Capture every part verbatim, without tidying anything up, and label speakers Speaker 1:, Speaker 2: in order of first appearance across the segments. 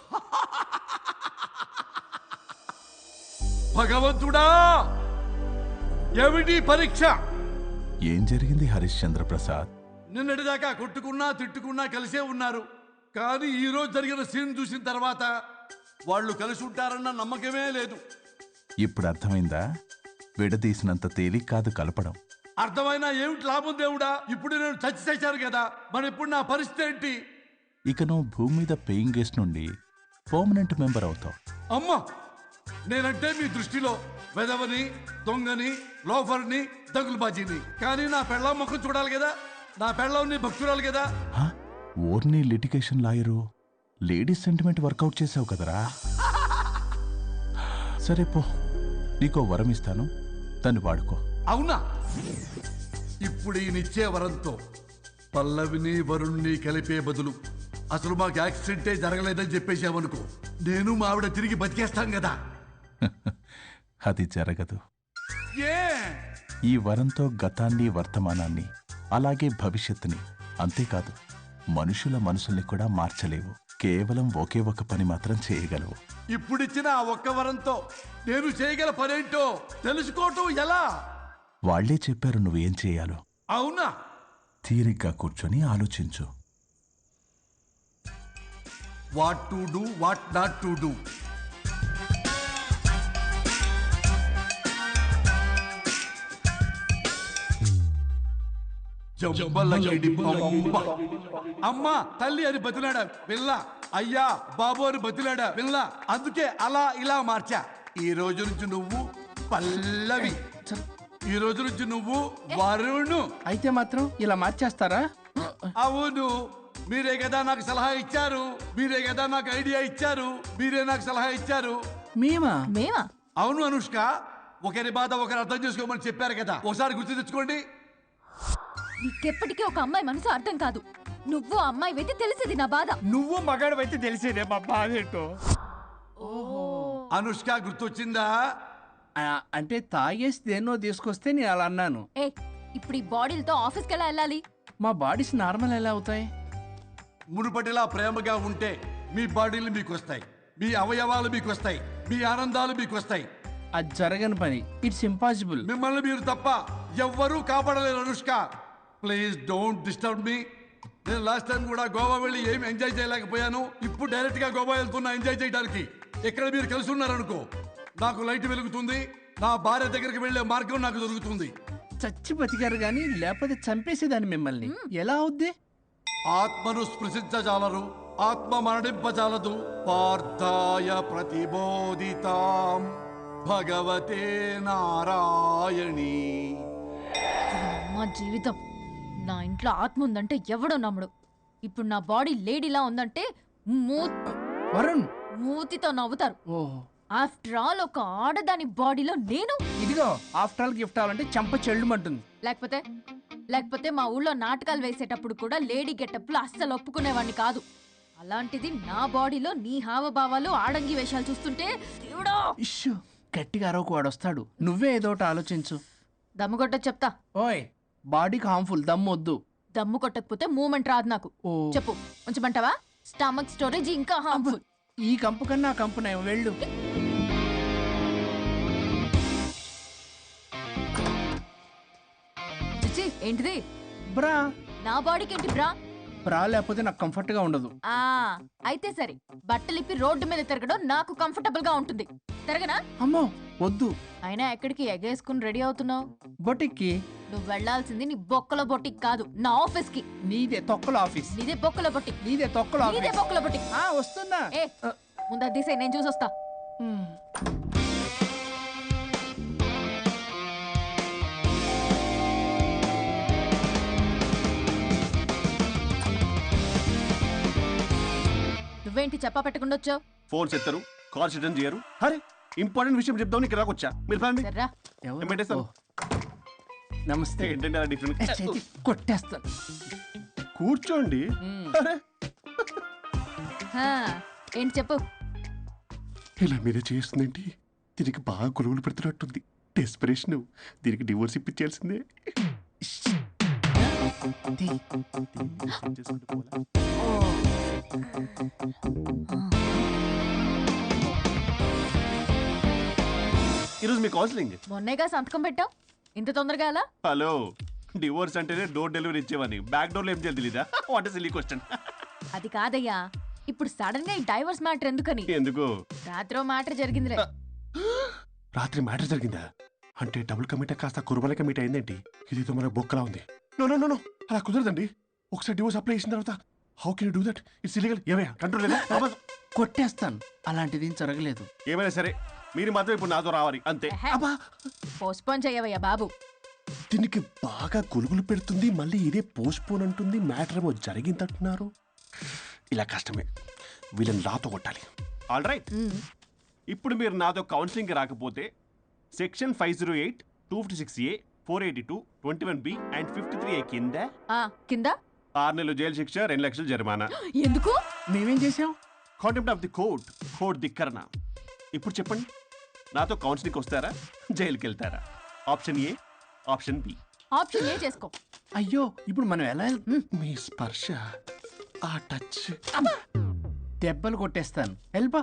Speaker 1: భగవంతుడా, ఏమిటి పరీక్ష?
Speaker 2: ఏం జరిగింది హరిశ్చంద్ర ప్రసాద్?
Speaker 1: నిన్నటిదాకా కొట్టుకున్నా తిట్టుకున్నా కలిసే ఉన్నారు. కానీ ఈ రోజు జరిగిన సీన్ చూసిన తర్వాత వాళ్ళు కలిసి ఉంటారన్న నమ్మకమే లేదు.
Speaker 2: ఇప్పుడు అర్థమైందా? విడదీసినంత తేలిక కాదు కలపడం.
Speaker 1: అర్థమైనా ఏమిటి లాభం దేవుడా? ఇప్పుడు నేను చచ్చి చచ్చాను కదా, మరి ఇప్పుడు నా పరిస్థితి ఏంటి?
Speaker 2: ఇక నువ్వు భూమి మీద పేయింగ్ గెస్ట్ నుండి పర్మనెంట్ మెంబర్ అవుతావు.
Speaker 1: అమ్మా, నేనంటే మీ దృష్టిలో వెదవని, దొంగని, లోఫర్ని, దగులుబాజీని. కానీ నా పెళ్ళం ముఖం చూడాలి కదా, నా పెళ్ళం నీ భక్తురాలు కదా.
Speaker 2: ఓర్ని litigation lawyer, ladies sentiment work out చేసావు కదరా. సరే పో, నీకో వరం ఇస్తాను, దాన్ని వాడుకో.
Speaker 1: అవునా? ఇప్పుడు ఈయనిచ్చే వరంతో పల్లవిని వరుణ్ణి కలిపే బదులు అసలు మాకు యాక్సిడెంటే జరగలేదని చెప్పేసామనుకో, నేను మా ఆవిడ తిరిగి బతికేస్తాం కదా.
Speaker 2: అది జరగదు.
Speaker 1: ఏ?
Speaker 2: ఈ వరంతో గతాన్ని, వర్తమానాన్ని, అలాగే భవిష్యత్తుని, అంతేకాదు మనుషుల మనసుల్ని కూడా మార్చలేవు. కేవలం ఒకే ఒక పని మాత్రం చేయగలవు.
Speaker 1: ఇప్పుడిచ్చిన ఆ ఒక్క వరంతో నేను చేయగల పనేంటో తెలుసుకోవటం ఎలా?
Speaker 2: వాళ్లే చెప్పారు నువ్వేం చేయాలో.
Speaker 1: అవునా?
Speaker 2: తీరిగ్గా కూర్చొని ఆలోచించు.
Speaker 1: What to do, what not to do. అమ్మా తల్లి అని బతిలాడా పిల్ల, అయ్యా బాబు అని బతిలాడా పిల్ల. అందుకే అలా ఇలా మార్చా. ఈ రోజు నుంచి నువ్వు పల్లవి, ఈ రోజు నుంచి నువ్వు వరుణు.
Speaker 3: అయితే మాత్రం ఇలా మార్చేస్తారా?
Speaker 1: అవును, మీరే కదా నాకు సలహా ఇచ్చారు, మీరే కదా నాకు ఐడియా ఇచ్చారు, మీరే నాకు సలహా ఇచ్చారు.
Speaker 3: మేమా?
Speaker 4: మేమా?
Speaker 1: అవును అనుష్క, ఒకరి బాధ ఒకరు అర్థం చేసుకోమని చెప్పారు కదా, ఒకసారి గుర్తు తెచ్చుకోండి.
Speaker 4: నీకెప్పటికీ ఒక అమ్మాయి మనసు అర్థం కాదు. నువ్వు అమ్మాయి అయితే తెలిసేది నా బాధ.
Speaker 3: నువ్వు మగాడు అయితే తెలిసేదే మా బాధ ఏంటో.
Speaker 1: అనుష్క గుర్తొచ్చిందా?
Speaker 3: అంటే తాగేసి దేన్నో తీసుకొస్తే నేను అలా అన్నాను.
Speaker 4: ఏ, ఇప్పుడు ఈ బాడీలతో ఆఫీస్కి ఎలా వెళ్ళాలి?
Speaker 3: మా బాడీస్ నార్మల్ ఎలా అవుతాయి?
Speaker 1: మునుపటిలా ప్రేమగా ఉంటే మీ బాడీలు మీకు వస్తాయి, మీ అవయవాలు మీకు వస్తాయి, మీ ఆనందాలు మీకు వస్తాయి.
Speaker 3: అది జరగని పని. It's impossible.
Speaker 1: మిమ్మల్ని మీరు తప్ప ఎవ్వరూ కాపాడలేరు Anushka. Please don't disturb me. నేను లాస్ట్ టైం కూడా గోవా వెళ్ళి ఏమి ఎంజాయ్ చేయలేకపోయాను. ఇప్పుడు డైరెక్ట్ గా గోవా వెళ్తున్నా ఎంజాయ్ చేయడానికి. ఇక్కడ మీరు కలిసి ఉన్నారనుకో, నాకు లైట్ వెలుగుతుంది, నా భార్య దగ్గరికి వెళ్లే మార్గం నాకు దొరుకుతుంది.
Speaker 3: చచ్చి బతికారు గాని లేకపోతే చంపేసేదాన్ని మిమ్మల్ని. ఎలా అవుద్ది?
Speaker 1: ఆత్మను స్పృశించజాలరు, ఆత్మ మరణింపజాలదు. పార్థాయ ప్రతిబోధితాం భగవతే నారాయణి.
Speaker 4: మా జీవితం, నా ఇంట్లో ఆత్మ ఉందంటే ఎవడో నమ్ముడు. ఇప్పుడు నా బాడీ లేడీలా ఉందంటే
Speaker 3: వరుణ్
Speaker 4: మూతితో నవ్వుతారు.
Speaker 3: ఓహో,
Speaker 4: ఆఫ్టర్ ఆల్ ఒక ఆడదాని బాడీలో నేను.
Speaker 3: ఇదిగో ఆఫ్టర్ ఆల్ గిఫ్ట్ అవ్వాలంటే చంప చెల్లుమంటుంది.
Speaker 4: లేకపోతే లేకపోతే మా ఊళ్ళో నాటకాలు వేసేటప్పుడు కూడా లేడీ గెటప్లు అస్సలు ఒప్పుకునేవాడిని కాదు. అలాంటిది నా బాడీలో నీ హావభావాలు, ఆడంగి వేషాలు చూస్తుంటే దేవుడా.
Speaker 3: ఇష్యూ, గట్టిగా అరవకు, వాడు వస్తాడు. నువ్వే ఏదో ఒకటి ఆలోచించు.
Speaker 4: దమ్ము కొట్ట చెప్తా.
Speaker 3: ఓయ్, బాడీకి హార్మ్ఫుల్, దమ్ము వద్దు.
Speaker 4: దమ్ము కొట్టకపోతే మూమెంట్ రాదు నాకు.
Speaker 3: ఓ
Speaker 4: చెప్పు, ఉంచమంటావా? స్టమక్ స్టోరేజ్ ఇంకా హార్మ్ఫుల్.
Speaker 3: ఈ కంపు కన్నా ఆ కంపు నయం, వెళ్ళు.
Speaker 4: చిచ్చి, ఏంటిది?
Speaker 3: బ్రా.
Speaker 4: నా బాడీకి ఏంటి బ్రా?
Speaker 3: బ్రా లేకపోతే నాకు కంఫర్ట్ గా ఉండదు.
Speaker 4: ఆ అయితే సరే, బట్టలిప్పి రోడ్డు మీద తిరగడం నాకు కంఫర్టబుల్ గా ఉంటుంది. తిరగనా?
Speaker 3: అమ్మో వద్దు.
Speaker 4: అయినా ఎక్కడికి ఎగేసుకుని రెడీ అవుతున్నావు?
Speaker 3: బొటిక్కి.
Speaker 4: నువ్వు వెళ్లాల్సింది నీ బొక్కల బొట్టికి కాదు, నా ఆఫీస్ కి.
Speaker 3: నీదే తొక్కల ఆఫీస్.
Speaker 4: నీదే బొక్కల బొట్టికి.
Speaker 3: నీదే తొక్కల
Speaker 4: నీదే
Speaker 3: ఆఫీస్.
Speaker 4: బొక్కల బొట్టికి.
Speaker 3: ఆ వస్తున్నా.
Speaker 4: ఏ ముందు అది తీసేయ్, నేను చూసొస్తా. నువ్వేంటి చెప్పా పెట్టకుండా వచ్చావు?
Speaker 5: ఫోన్స్ ఎత్తారు, కాల్స్ అటెండ్ చేయరు. అరే ఇంపార్టెంట్ విషయం చెప్దాం ఇక్కడ రాకొచ్చా. మీరు ఫ్యామిలీ
Speaker 4: సర్రా.
Speaker 5: పెట్టేస్తాను.
Speaker 3: నమస్తే.
Speaker 5: ఏంటంటే అలా డిఫరెంట్.
Speaker 3: చేతి కొట్టేస్తాను.
Speaker 5: కూర్చోండి. అరే
Speaker 4: హా, ఏంటి చెప్పు.
Speaker 5: ఇలా మీరే చేస్తుందేంటి? దీనికి బాగా గొలువులు పెడుతున్నట్టుంది. డెస్పరేషన్. దీనికి డివోర్స్ ఇప్పించాల్సిందే.
Speaker 4: ఓ
Speaker 5: ఈరోజు మీ కౌన్సిలింగ్.
Speaker 4: మొన్నేగా సంతకం పెట్టావు, ఇంత తొందరగా ఎలా?
Speaker 5: హలో, డివోర్స్ అంటేనే డోర్ డెలివరీ ఇచ్చేవని, బ్యాక్ డోర్లో ఏం చేయాలి తెలీదా? What silly question.
Speaker 4: అది కాదయ్యా, ఇప్పుడు సడన్ గా ఈ డైవర్స్ మ్యాటర్ ఎందుకని?
Speaker 5: ఎందుకు?
Speaker 4: రాత్రో మ్యాటర్ జరిగిందిలే.
Speaker 5: రాత్రి మ్యాటర్ జరిగిందా? అంటే డబుల్ కమిట్ కాస్త కురుమల కమిట్ అయిందేంటి? ఇది మన బొక్కలా ఉంది. నో నో నో నో అలా కుదరదండి. ఒకసారి డివోర్స్ అప్లై చేసిన తర్వాత how can you do that? It's illegal. ఏమయ్యా కంట్రోల్ లేదా?
Speaker 3: కొట్టేస్తాను, అలాంటిది ఏం జరగలేదు.
Speaker 5: ఏమైనా సరే మీరు మాత్రం ఇప్పుడు నాతో రావాలి అంతే. అబ్బా,
Speaker 4: పోస్ట్పోన్ చేయవయ్యా బాబు.
Speaker 5: దీనికి బాగా గొలుగులు పెడుతుంది, మళ్ళీ ఇదే పోస్ట్ పోన్ అంటుంది. మ్యాటర్ ఏమో జరిగిందంటున్నారు. ఇలా కష్టమే, వీళ్ళని నాతో కొట్టాలి. ఆల్ రైట్, ఇప్పుడు మీరు నాతో కౌన్సిలింగ్ రాకపోతే section five zero eight two fifty six A four eighty two twenty one B and fifty three A కింద
Speaker 4: ఆ కింద
Speaker 5: ఆరు నెలలు జైలు శిక్ష, రెండు లక్షలు జరిమానా.
Speaker 4: ఎందుకు?
Speaker 3: మేమేం చేసాం?
Speaker 5: Contempt of the court, court ధిక్కరణ. ఇప్పుడు చెప్పండి, నాతో కౌన్సిలింగ్ వస్తారా, జైలుకి వెళ్తారా? Option A, option B.
Speaker 4: Option A చేసుకో.
Speaker 3: అయ్యో, ఇప్పుడు మనం ఎలా వెళ్తాం?
Speaker 5: మీ స్పర్శ, ఆ టచ్.
Speaker 3: దెబ్బలు కొట్టేస్తాను, వెళ్ళిపో.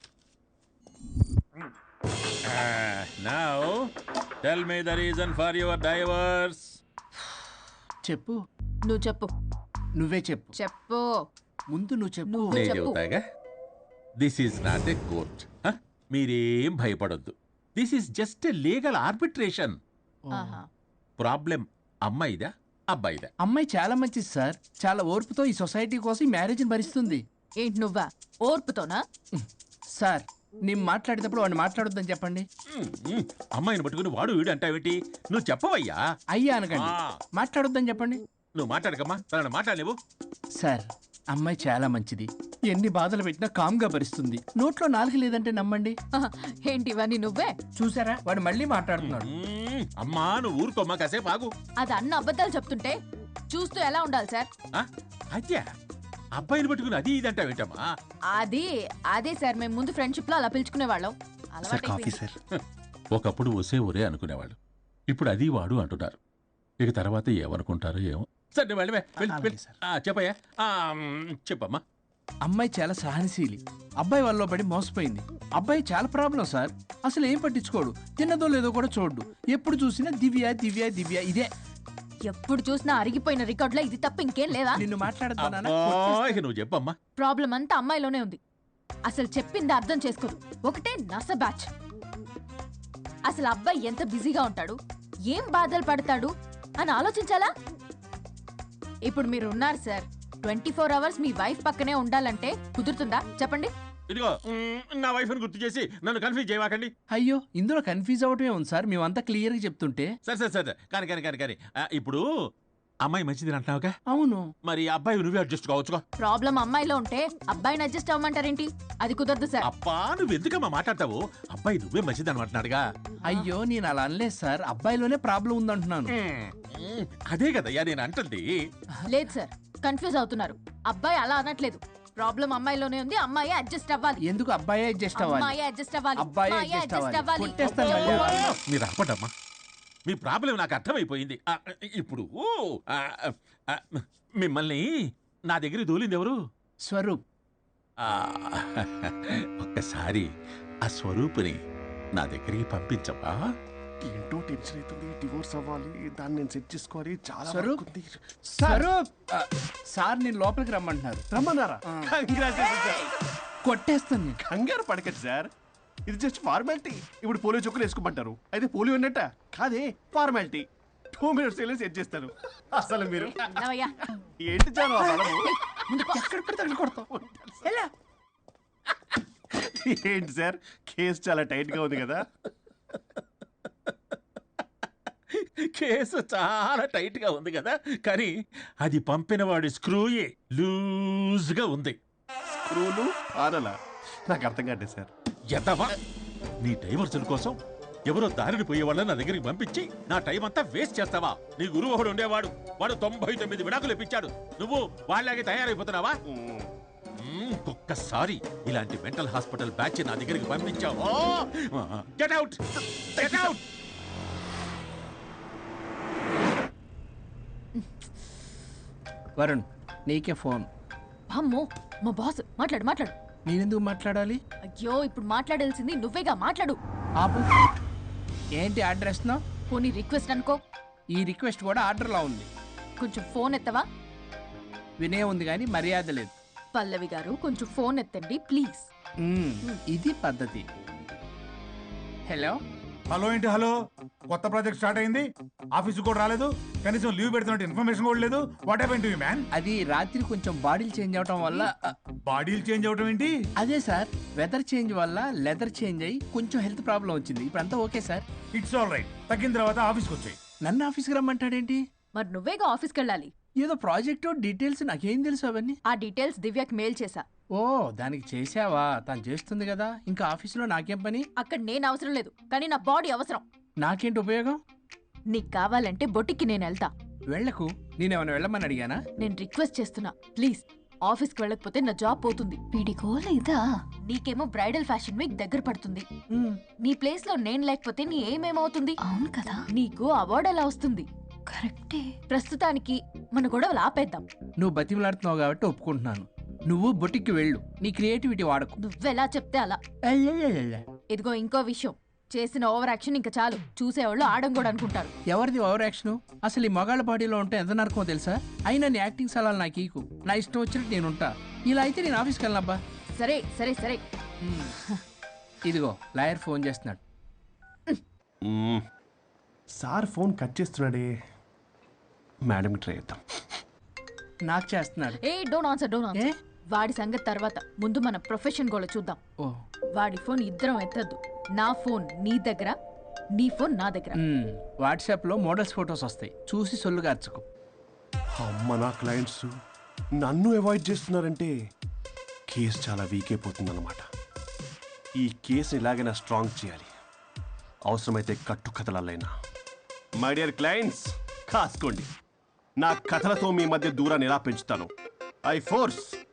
Speaker 6: Uh, now, tell me the reason for your divorce.
Speaker 3: చెప్పు.
Speaker 4: నువ్వు చెప్పు.
Speaker 3: నువ్వే చెప్పు.
Speaker 4: చెప్పు.
Speaker 3: ముందు నువ్వు చెప్పు.
Speaker 4: నువ్వు
Speaker 6: నేను
Speaker 4: చెప్పు.
Speaker 6: చెబుతాగా. This is not a court. మీరేం భయపడొద్దు. This is just a legal arbitration.
Speaker 4: ఆహా.
Speaker 6: ప్రాబ్లం అమ్మాయిదా అబ్బాయిదా?
Speaker 3: అమ్మాయి చాలా మంచిది సార్. చాలా ఓర్పుతో ఈ సొసైటీ కోసం ఈ మ్యారేజ్ని భరిస్తుంది.
Speaker 4: ఏంటి నువ్వా ఓర్పుతోనా?
Speaker 3: సార్, నేను మాట్లాడేటప్పుడు వాడిని మాట్లాడొద్దని చెప్పండి.
Speaker 6: మ్మ్, మ్మ్. అమ్మాయిని పట్టుకుని వాడు వీడు అంటావేంటి? నువ్వు చెప్పవయ్యా.
Speaker 3: అయ్యా అనకండి,
Speaker 6: ఆ.
Speaker 3: మాట్లాడొద్దని చెప్పండి.
Speaker 6: నువ్వు మాట్లాడకమ్మా, తనను మాట్లాడలేవు.
Speaker 3: సార్, అమ్మాయి చాలా మంచిది. ఎన్ని బాధలు పెట్టినా కామ్గా భరిస్తుంది. నోట్లో నాలుగు లేదంటే నమ్మండి.
Speaker 4: ఆహా. ఏంటి ఇవన్నీ నువ్వే?
Speaker 3: చూసారా, వాడు మళ్ళీ మాట్లాడుతున్నాడు.
Speaker 6: మ్మ్, అమ్మా నువ్వు ఊరుకోమ్మా, కాసేపు ఆగు.
Speaker 4: అది అన్న అబద్ధాలు చెప్తుంటే చూస్తూ ఎలా ఉండాలి సార్?
Speaker 6: ఆ, అద్యా అబ్బాయిని పట్టుకుని అది ఇది అంటావేంటమ్మా?
Speaker 4: అది అదే సార్, మేము ముందు ఫ్రెండ్షిప్ లో అలా పిలుచుకునే వాళ్ళం.
Speaker 5: Sir coffee sir.
Speaker 6: ఒకప్పుడు ఒసే ఒరే అనుకునేవాళ్ళు, ఇప్పుడు అది వాడు అంటున్నారు. ఇక తర్వాత ఏమనుకుంటారో ఏమో. సరే నువ్వు వెళ్ళవే, వెళ్ళి,
Speaker 3: అలాగే
Speaker 6: వెళ్ళి.
Speaker 3: సార్.
Speaker 6: ఆ, చెప్పయ్యా. ఆ, మ్, చెప్పమ్మా.
Speaker 3: అమ్మాయి చాలా సహనశీలి. అబ్బాయి వల్ల పడి మోసపోయింది. అబ్బాయి చాలా ప్రాబ్లం సార్. అసలు ఏం పట్టించుకోడు. తిన్నదో లేదో కూడా చూడు. ఎప్పుడు చూసినా దివ్య దివ్య దివ్య ఇదే.
Speaker 4: ఎప్పుడు చూసినా అరిగిపోయిన రికార్డులో ఇది తప్ప ఇంకేం లేదా?
Speaker 3: నిన్ను మాట్లాడతానా?
Speaker 6: అబ్బా, ఇక నువ్వు చెప్పమ్మా.
Speaker 4: ప్రాబ్లం అంతా అమ్మాయిలోనే ఉంది. అసలు చెప్పింది అర్థం చేసుకోదు. ఒకటే నస బ్యాచ్. అసలు అబ్బాయి ఎంత బిజీగా ఉంటాడు, ఏం బాధలు పడతాడు అని ఆలోచించాలా? ఇప్పుడు మీరు ఉన్నారు సార్, ట్వంటీ ఫోర్ అవర్స్ మీ వైఫ్ పక్కనే ఉండాలంటే కుదురుతుందా చెప్పండి?
Speaker 6: ఇదిగో మ్, నా వైఫ్ ని గుర్తు చేసి నన్ను కన్ఫ్యూజ్ చేయవాకండి.
Speaker 3: అయ్యో, ఇందులో కన్ఫ్యూజ్ అవటమే ఉంది సార్. మేమంతా క్లియర్గా చెప్తుంటే.
Speaker 6: సరే సరే సరే కానీ కానీ కానీ కానీ ఆ, ఇప్పుడు అమ్మాయి మంచిది అంటున్నావుగా,
Speaker 3: అవును.
Speaker 6: మరి అబ్బాయి నువ్వే అడ్జస్ట్ కావచ్చుగా.
Speaker 4: ప్రాబ్లం అమ్మాయిలో ఉంటే అబ్బాయిని అడ్జస్ట్ అవ్వమంటారేంటి? అది కుదరదు సార్.
Speaker 6: అబ్బా నువ్వు ఎందుకమ్మా మాట్లాడతావు? అబ్బాయి నువ్వే మంచిది అనమాటున్నాడుగా.
Speaker 3: అయ్యో, నేను అలా అనలేదు సార్. అబ్బాయిలోనే ప్రాబ్లం ఉందంటున్నాను.
Speaker 6: మ్, మ్, అదే కదయ్యా నేను అంటుంది.
Speaker 4: లేదు సార్, కన్ఫ్యూజ్ అవుతున్నారు. అబ్బాయి అలా అనట్లేదు. ప్రాబ్లం అమ్మాయిలోనే ఉంది. అమ్మాయి అడ్జస్ట్ అవ్వాలి.
Speaker 3: ఎందుకు అబ్బాయి అడ్జస్ట్ అవ్వాలి?
Speaker 4: అమ్మాయి అడ్జస్ట్ అవ్వాలి.
Speaker 3: అబ్బాయి
Speaker 4: అమ్మాయి
Speaker 3: adjust
Speaker 4: adjust
Speaker 3: అవ్వాలి.
Speaker 4: అవ్వాలి.
Speaker 3: కొట్టేస్తాను మళ్ళీ.
Speaker 6: అబ్బా, మీరు ఆపడమ్మా. మీ ప్రాబ్లం నాకు అర్థమైపోయింది. ఆ, ఇప్పుడు ఆ, ఆ, మిమ్మల్ని నా దగ్గరికి దూలింది ఎవరు?
Speaker 3: స్వరూప్.
Speaker 6: ఆ, ఒక్కసారి ఆ స్వరూపుని నా దగ్గరికి పంపించవా?
Speaker 5: ఏంటో టెన్షన్ అవుతుంది. డివోర్స్ అవ్వాలి, దాన్ని నేను సెట్ చేసుకోవాలి. చాలా
Speaker 3: స్వరూప్?
Speaker 5: work ఉంది.
Speaker 3: స్వరూప్, ఆ, సార్ నేను లోపలికి రమ్మంటున్నారు.
Speaker 5: రమ్మన్నారా? Congratulations, sir.
Speaker 3: కొట్టేస్తాను నేను.
Speaker 5: కంగారు పడకండి సార్, ఇది జస్ట్ ఫార్మాలిటీ. ఇప్పుడు పోలియో చుక్కలు వేసుకోమంటారు, అయితే పోలియో ఉన్నట్ట కాదే, ఫార్మాలిటీ. టూ మినిట్స్ వెళ్ళి సెట్ చేస్తారు. అసలు మీరు
Speaker 4: వెళ్ళవయ్యా.
Speaker 5: ఏంటి చాలు ఆ బలము?
Speaker 3: ఎక్కడ పడితే అక్కడ కొడతాం. ఎలా?
Speaker 5: ఏంటి సార్, కేసు చాలా టైట్ గా ఉంది కదా.
Speaker 6: కేసు చాలా టైట్ గా ఉంది కదా, కానీ అది పంపిన వాడి స్క్రూయే లూజ్ గా ఉంది.
Speaker 5: స్క్రూలు ఆనలా నాకు అర్థం కాదు సార్.
Speaker 6: ఎదవా, నీ డైవర్సుల కోసం ఎవరో దారిని పోయే వాళ్ళని నా దగ్గరికి పంపించి నా టైం అంతా వేస్ట్ చేస్తావా? నీ గురువు ఒకడు ఉండేవాడు, వాడు తొంభై తొమ్మిది విడాకులు ఇప్పించాడు. నువ్వు వాళ్ళలాగే తయారైపోతున్నావా? మ్మ్, ఒక్కసారి ఇలాంటి మెంటల్ హాస్పిటల్ బ్యాచ్ నా దగ్గరికి పంపించావు. Get out, get out.
Speaker 3: Varun, నీకే ఫోన్.
Speaker 4: అమ్మో, మా బాస్. మాట్లాడు మాట్లాడు.
Speaker 3: నేనెందుకు మాట్లాడాలి?
Speaker 4: అయ్యో, ఇప్పుడు మాట్లాడాల్సింది నువ్వేగా, మాట్లాడు.
Speaker 3: ఆపు. ఏంటి ఆర్డర్ ఇస్తున్నావు?
Speaker 4: పోనీ రిక్వెస్ట్ అనుకో.
Speaker 3: ఈ రిక్వెస్ట్ కూడా ఆర్డర్లో ఉంది.
Speaker 4: కొంచెం ఫోన్ ఎత్తవా?
Speaker 3: వినే ఉంది కానీ మర్యాద లేదు.
Speaker 4: పల్లవి గారు కొంచెం ఫోన్ ఎత్తండి ప్లీజ్.
Speaker 3: మ్మ్, ఇది పద్ధతి. హలో.
Speaker 7: హలో ఏంటి హలో? కొత్త ప్రాజెక్ట్ స్టార్ట్ అయింది, ఆఫీస్ కూడా రాలేదు, కనీసం లీవ్ పెడుతున్నట్టు ఇన్ఫర్మేషన్ కూడా లేదు. What happen to you man?
Speaker 3: అది రాత్రి కొంచెం బాడీలు చేంజ్ అవటం వల్ల.
Speaker 7: బాడీలు చేంజ్ అవటం ఏంటి?
Speaker 3: అదే సార్, వెదర్ చేంజ్ వల్ల లెదర్ చేంజ్ అయ్యి కొంచెం హెల్త్ ప్రాబ్లం వచ్చింది. ఇప్పుడు అంతా okay sir.
Speaker 7: It's all right. తగ్గిన తర్వాత ఆఫీస్కి వచ్చాయి.
Speaker 3: నన్ను ఆఫీస్కి రమ్మంటాడేంటి?
Speaker 4: మరి నువ్వేగా ఆఫీస్కి వెళ్ళాలి.
Speaker 3: ఏదో ప్రాజెక్టు డీటెయిల్స్ నాకేం తెలుసు అవన్నీ.
Speaker 4: ఆ డీటెయిల్స్ దివ్యకి మెయిల్ చేశా.
Speaker 3: ఓ, దానికి చేసావా? తను చేస్తుంది కదా, ఇంకా ఆఫీసులో నాకేం పని?
Speaker 4: అక్కడ నేను అవసరం లేదు, కానీ నా బాడీ అవసరం.
Speaker 3: నాకేంటి ఉపయోగం?
Speaker 4: నీకు కావాలంటే బొటిక్కి నేను వెళ్తా.
Speaker 3: వెళ్లకు. నేనేమైనా వెళ్ళమని అడిగానా?
Speaker 4: నేను రిక్వెస్ట్ చేస్తున్నా ప్లీజ్. ఆఫీస్కి వెళ్ళకపోతే నా జాబ్ పోతుంది. వీడికో లేదా? నీకేమో బ్రైడల్ ఫ్యాషన్ వీక్ దగ్గర పడుతుంది. నీ ప్లేస్ లో నేను లేకపోతే నీ ఏమేమవుతుంది? అవును కదా. నీకు అవార్డు ఎలా వస్తుంది? కరెక్టే. ప్రస్తుతానికి మన గొడవలు ఆపేద్దాం.
Speaker 3: నువ్వు బతిమలాడుతున్నావు కాబట్టి ఒప్పుకుంటున్నాను. నువ్వు బొటిక్కి వెళ్ళు, నీ క్రియేటివిటీ వాడకు.
Speaker 4: నువ్వెలా చెప్తే అలా.
Speaker 3: అయ్యయ్యయ్యయ్య.
Speaker 4: ఇదిగో ఇంకో విషయం, చేసిన ఓవర్ యాక్షన్ ఇంకా చాలు. చూసేవాళ్ళు ఆడం కూడా అనుకుంటారు.
Speaker 3: ఎవరిది ఓవర్ యాక్షన్? అసలు ఈ మగాళ్ళ బాడీలో ఉంటే ఎంత నరకమో తెలుసా? అయినా నీ యాక్టింగ్ సలాలు నాకు ఈకు. నా ఇష్టం వచ్చినట్టు నేను ఉంటా. ఇలా అయితే నేను ఆఫీస్కి వెళ్ళనబ్బా.
Speaker 4: సరే సరే సరే.
Speaker 3: ఇదిగో లాయర్ ఫోన్ చేస్తున్నాడు.
Speaker 5: మ్మ్. సార్ ఫోన్ కట్ చేస్తున్నాడే. మేడంకి ట్రై చేద్దాం.
Speaker 3: నాకు చేస్తున్నాడు.
Speaker 4: Hey don't answer don't
Speaker 3: hey?
Speaker 4: Answer. వాడి సంగతి తర్వాత, ముందు మన ప్రొఫెషన్ కూడా చూద్దాం.
Speaker 3: ఓ.
Speaker 4: వాడి ఫోన్ ఇద్దరం ఎత్తద్దు. నా ఫోన్ నీ దగ్గర, నీ ఫోన్ నా దగ్గర.
Speaker 3: మ్మ్. వాట్సాప్లో మోడల్స్ ఫొటోస్ వస్తాయి, చూసి సొల్లు గార్చుకో.
Speaker 5: అమ్మ, నా క్లయింట్స్ నన్ను అవాయిడ్ చేస్తున్నారంటే కేసు చాలా వీక్ అయిపోతుందన్నమాట. ఈ కేసు ఇలాగైనా స్ట్రాంగ్ చేయాలి, అవసరమైతే కట్టు కథలైనా. మై డియర్ క్లయింట్స్, కాసుకోండి. నా కథలతో మీ మధ్య దూరాన్ని ఎలా పెంచుతాను. I force